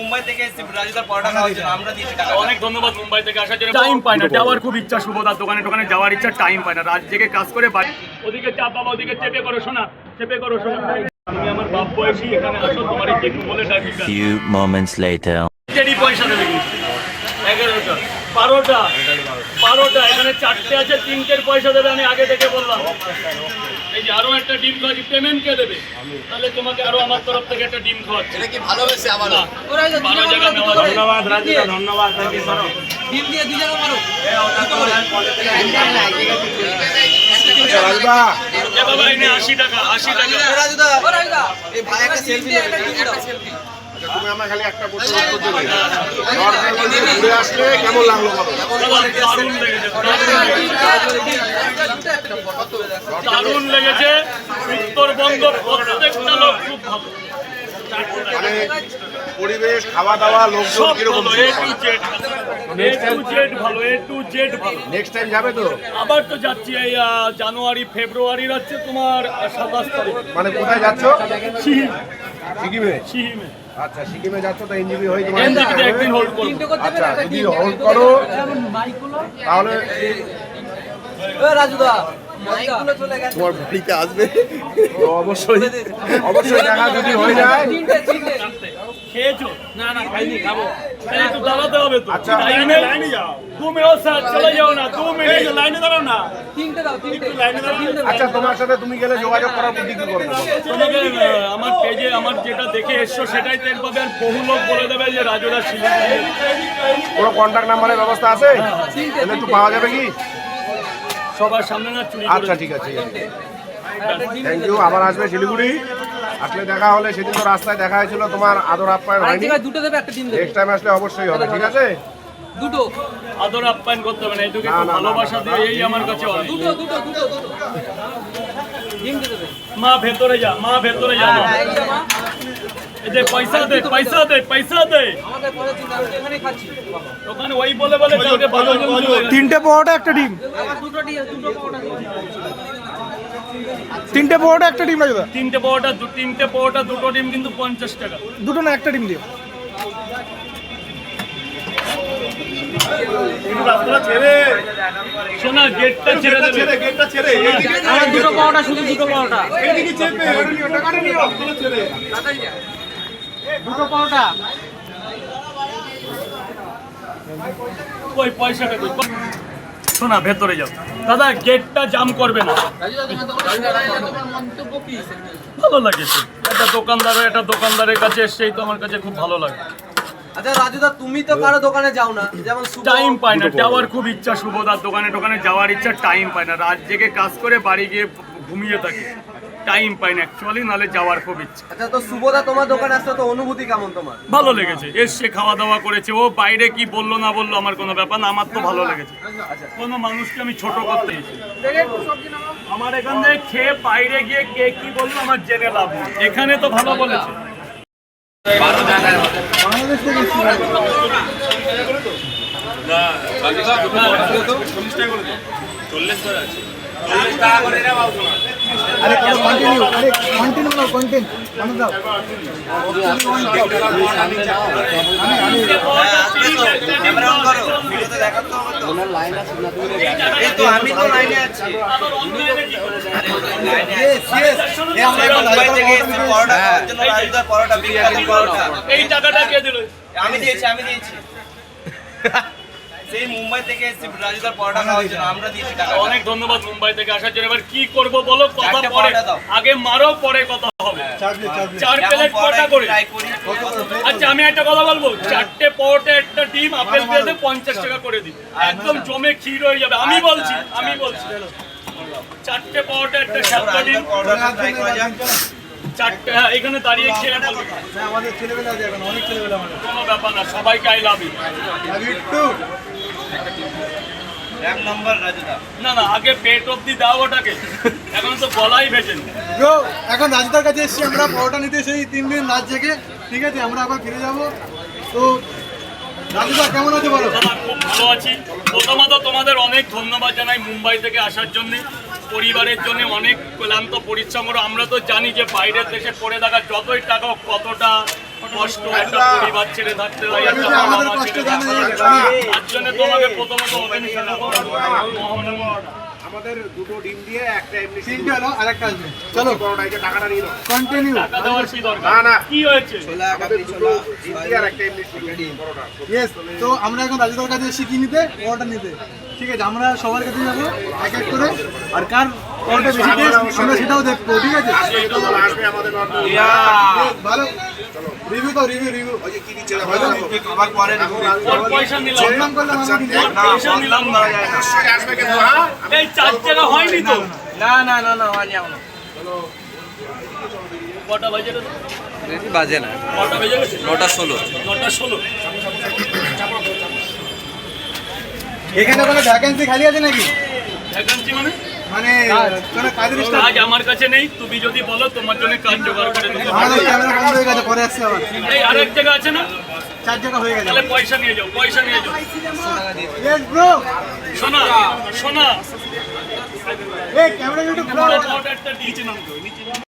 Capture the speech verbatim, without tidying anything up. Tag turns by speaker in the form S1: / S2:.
S1: মুম্বাই থেকে এসেছি রাজুদার পরোটা খাওয়ার জন্য, আমরা দিয়েছি টাকা।
S2: অনেক ধন্যবাদ মুম্বাই থেকে আসার জন্য। টাইম পায় না, যাওয়ার খুব ইচ্ছা, শুভদার দোকানে দোকানে যাওয়ার ইচ্ছা, টাইম পায় না, রাত জেগে কাজ করে বাড়ি। ওদিকে চাপ বাবা, ওদিকে চেপে করো শোনা, চেপে করো শোনা। তুমি আমার বাপ বয়সী, এখানে আসো, তোমার এই জেঠু বলে ডাকি।
S3: Few moments later.
S2: চেরি পয়সা দেবে কিন্তু এগারোটা বারোটা বারোটা এখানে চারটে আছে, তিনটের পয়সা দেবে, আমি আগে থেকে বললাম। এই যে আরো একটা ডিম খাওয়াচ্ছি, পেমেন্ট কে দেবে? তাহলে তোমাকে আরো আমার তরফ থেকে একটা ডিম খাওয়াচ্ছি।
S1: এটা কি ভালোবেসে আবার
S2: বারো জায়গা নেওয়া যাবে।
S4: ধন্যবাদ রাজুদা, ধন্যবাদ।
S1: ডিম দিয়ে দুই জায়গা মারো।
S4: আচ্ছা রাজুদা,
S2: এ বাবা এনে আশি টাকা, আশি টাকা।
S1: রাজুদা এই ভাই একটা সেলফি নেবে, একটা সেলফি।
S4: আচ্ছা তুমি আমার খালি একটা প্রশ্ন উত্তর দেবে। নর্থবেঙ্গল ঘুরে আসলে কেমন লাগলো বলো?
S2: দারুণ লেগেছে, দারুণ লেগেছে। উত্তরবঙ্গ প্রত্যেকটা লোক খুব ভালো,
S4: মানে পরিবেশ, খাওয়া দাওয়া, লোকজন
S2: সব
S4: কিরকম?
S2: ভালো, A to Z, A to Z ভালো, এ টু জেড ভালো।
S4: নেক্সট টাইম যাবে তো?
S2: আবার তো যাচ্ছি এই আহ, জানুয়ারি ফেব্রুয়ারি যাচ্ছে তোমার সাতাশ তারিখ।
S4: মানে কোথায় যাচ্ছ?
S2: সিহিম,
S4: সিকিমে।
S2: সিহিমে
S4: আচ্ছা সিকিমে যাচ্ছ তো এনজিবি হয়ে তোমার?
S2: এনজিপিতে একদিন হোল্ড করবো।
S4: আচ্ছা যদি হোল্ড করো তাহলে
S1: রাজুদা মাইকগুলো চলে গেছে,
S4: তোমার বাড়িতে আসবে তো অবশ্যই, অবশ্যই দেখা যদি হয়ে যায়।
S1: তিনটে তিনটে
S2: খেয়েছো? না না খাইনি, খাবো। তাহলে একটু দাঁড়াতে হবে তো।
S4: আচ্ছা।
S2: লাইনে লাইনে যাও, দু মিনিট স্যার চলে যাও না, দু মিনিট লাইনে দাঁড়াও না।
S1: তিনটে দাও, তিনটে
S2: লাইনে দাঁড়াও।
S4: আচ্ছা তোমার সাথে তুমি গেলে যোগাযোগ করার বুদ্ধি কি করবো?
S2: তোমাকে আহ, আমার পেজে আমার যেটা দেখে এসছো সেটাই টের পাবে, আর বহু লোক বলে দেবে যে রাজুদা শিলিগুড়ি।
S4: কোনো কন্ট্যাক্ট নাম্বারের ব্যবস্থা আছে? তাহলে একটু পাওয়া যাবে কি?
S2: সবার সামনে না চুরি
S4: আচ্ছা ঠিক আছে, থ্যাংক ইউ। আবার আসবে শিলিগুড়ি, আসলে দেখা হলে, সেদিন তো রাস্তায় দেখা হয়েছিল, তোমার আদর আপ্যায়ন হয়নি।
S1: দুটো দেবে, একটা ডিম দেবে,
S4: নেক্সট টাইম আসলে অবশ্যই হবে, ঠিক আছে?
S1: দুটো
S2: আদর আপ্যায়ন করতে হবে না, এটুকু
S4: না,
S2: একটু
S4: না, না,
S2: ভালোবাসা
S4: না,
S2: দিয়ে এই আমার কাছে অনেক।
S1: দুটো দুটো দুটো দুটো ডিম দিয়ে দেবে।
S2: মা ভেতরে যা, মা ভেতরে যা, মা।
S1: হ্যাঁ, এই যে মা,
S2: এই যে পয়সা দে, পয়সা দে, পয়সা দে।
S1: আমাদের পরে চিন্তা, আমি এখানেই খাচ্ছি।
S2: ওখানে ওই বলে বলে কালকে ভালো জন চলে গেছে।
S5: তিনটে পরোটা একটা ডিম,
S1: আমার দুটো ডিম, দুটো পরোটা দিন।
S5: তিনটে পরোটা একটা ডিম রাজুদা,
S2: তিনটে পরোটা, দু তিনটে পরোটা, দুটো ডিম কিন্তু পঞ্চাশ টাকা।
S5: দুটো না একটা ডিম দিও।
S2: শোনা, গেটটা ছেড়ে দেবে।
S1: আমার দুটো পরোটা, শুধু দুটো পরোটা, দুটো পরোটা।
S2: ওই পয়সাটা কই? শোনা, ভেতরে যাও দাদা, গেটটা জাম করবে না। ভালো লাগেছে, একটা দোকানদার একটা দোকানদারের কাছে এসছেই তো আমার কাছে খুব ভালো লাগে।
S1: আচ্ছা রাজুদা, তুমি তো কারো দোকানে যাও না, যেমন শুভ-
S2: টাইম পায় না, যাওয়ার খুব ইচ্ছা, শুভদার দোকানে দোকানে যাওয়ার ইচ্ছা, টাইম পায় না, রাত জেগে কাজ করে বাড়ি গিয়ে ঘুমিয়ে থাকে, টাইম পায় না অ্যাকচুয়ালি, নাহলে যাওয়ার খুব ইচ্ছা।
S1: আচ্ছা, তো শুভদা তোমার দোকানে আসতে তো অনুভূতি কেমন তোমার?
S2: ভালো লেগেছে, এসছে খাওয়া দাওয়া করেছে, ও বাইরে কি বললো না বললো আমার কোনো ব্যাপার না, আমার তো ভালো লেগেছে। কোনো মানুষকে আমি ছোট করতে গেছি, আমার এখান থেকে খেয়ে বাইরে গিয়ে কে কি বললো আমার জেনে লাভ নেই, এখানে তো ভালো বলেছে।
S5: আরে কন্টিনিউ, আরে কন্টিনিউ নাও, কন্টিনিউ মানে দাও।
S1: ক্যামেরা অন করো, ভিডিওতে দেখাতে হবে তো। এই তো আমি তো লাইনে আছি। এই আমরা মুম্বাই থেকে এসেছি পরোটা খাওয়ার জন্য, রাজুদার পরোটা, বিখ্যাত পরোটা।
S2: এই টাকাটা কে দিল?
S1: আমি দিয়েছি, আমি দিয়েছি। সেই মুম্বাই থেকে এসেছি রাজুদার পরোটা খাওয়ার জন্য, আমরা দিয়েছি টাকা।
S2: অনেক ধন্যবাদ মুম্বাই থেকে আসার জন্য। এবার কি করব বলো, কথা
S1: চারটে
S2: পরে,
S1: পরোটা দাও।
S2: আগে মারো পরে কথা হবে। চার
S1: যেমন
S2: প্লেট
S1: পরোটা
S2: কটা করে?
S1: ট্রাই করি।
S2: আচ্ছা আমি একটা কথা বলবো, চারটে পরোটা একটা ডিম আপেল পেঁয়াজে পঞ্চাশ টাকা করে দিন, একদম জমে ক্ষীর হয়ে যাবে। আমি বলছি, আমি বলছি চারটে পরোটা একটা সাতটা ডিম,
S1: পরোটা ট্রাই করা যাক।
S2: চারটে, হ্যাঁ এখানে দাঁড়িয়ে খেয়ে বলবো
S5: আমাদের ছেলেবেলা আছে এখন, অনেক ছেলেবেলা আমাদের।
S2: কোনো ব্যাপার না, সবাইকে আই লাভ ইউ।
S1: এক নম্বর রাজুদা।
S2: না না, আগে পেট অব্দি দাও ওটাকে, এখন তো গলাই ভেজেন।
S5: ব্রো, এখন রাজুদার কাছে এসেছি আমরা পরোটা নিতে, সেই তিন দিন রাত জেগে, ঠিক আছে? আমরা আবার ফিরে যাব। তো রাজুদা কেমন আছে বলো?
S2: আমার খুব ভালো আছি। প্রথমত তোমাদের অনেক ধন্যবাদ জানাই মুম্বাই থেকে আসার জন্য, পরিবারের জন্য অনেক ক্লান্ত পরিশ্রম করো। আমরা তো জানি যে বাইরের দেশে পড়ে থাকা যতই টাকা হোক, কতটা কষ্ট, একটা পরিবার ছেড়ে থাকতে হয়,
S5: আমি
S2: একটা
S5: যে
S2: বাবা
S5: আমাদের
S2: মা
S5: কষ্ট
S2: ছেড়ে
S5: জানি
S2: থাকতে
S5: না।
S2: হয়। তার জন্য তোমাকে প্রথমত ওপেন খেলাবো।
S4: আমাদের দুটো ডিম দিয়ে একটা এমনি
S5: তিনটে হলো আর একটা আসবে। চলো
S4: পরোটা এই যে টাকাটা নিয়ে নাও।
S5: কন্টিনিউ।
S2: টাকা দেওয়ার কি দরকার?
S4: না, না।
S2: কি হয়েছে?
S4: আমাদের দুটো ডিম দিয়ে আর একটা এমনি পরোটা।
S5: ইয়েস, তো আমরা এখন রাজুদার কাছে এসে কি নিতে, পরোটা নিতে। ঠিক আছে, আমরা সবার কাছে যাবো এক এক করে, আর কার পরোটা বেশি টেস্ট আমরা সেটাও দেখবো। ঠিক আছে,
S4: আসবে আমাদের নর্মাল।
S5: ভালো রিভিউ তো রিভিউ রিভিউ
S4: ওই যে কি দিচ্ছে না, ভালো খাবার পরে না।
S2: ওর পয়সা নিলাম না।
S5: বদনাম করলাম আমরা কিন্তু।
S2: ওর পয়সা নিলাম না।
S4: অবশ্যই আসবে কিন্তু, হ্যাঁ?
S2: এই চার টাকা হয়নি তো?
S1: না না না না হয় যাও না
S2: কটা বাজে রে?
S1: বেশি বাজে না
S2: কটা বেজে গেছে?
S1: নটা ষোলো
S2: নটা ষোলো।
S5: এখানে কোনো ভ্যাকেন্সি খালি আছে নাকি?
S2: ভ্যাকান্সি মানে?
S5: মানে কোনো কাজের স্টাফ?
S2: কাজ আমার কাছে নেই, তুমি যদি বলো তোমার জন্য কাজ জোগাড় করে দেবো।
S5: আমাদের ক্যামেরা বন্ধ হয়ে গেছে, পরে আসছে আবার।
S2: এই আরেক জায়গা আছে না?
S5: চার জায়গা হয়ে গেছে।
S2: তাহলে পয়সা নিয়ে যাও, পয়সা নিয়ে যাও।
S5: Yes bro.
S2: শোনা শোনা
S5: এই ক্যামেরা একটু ব্রো।
S2: অর্ডারটা দিয়েছিলাম তো নিচে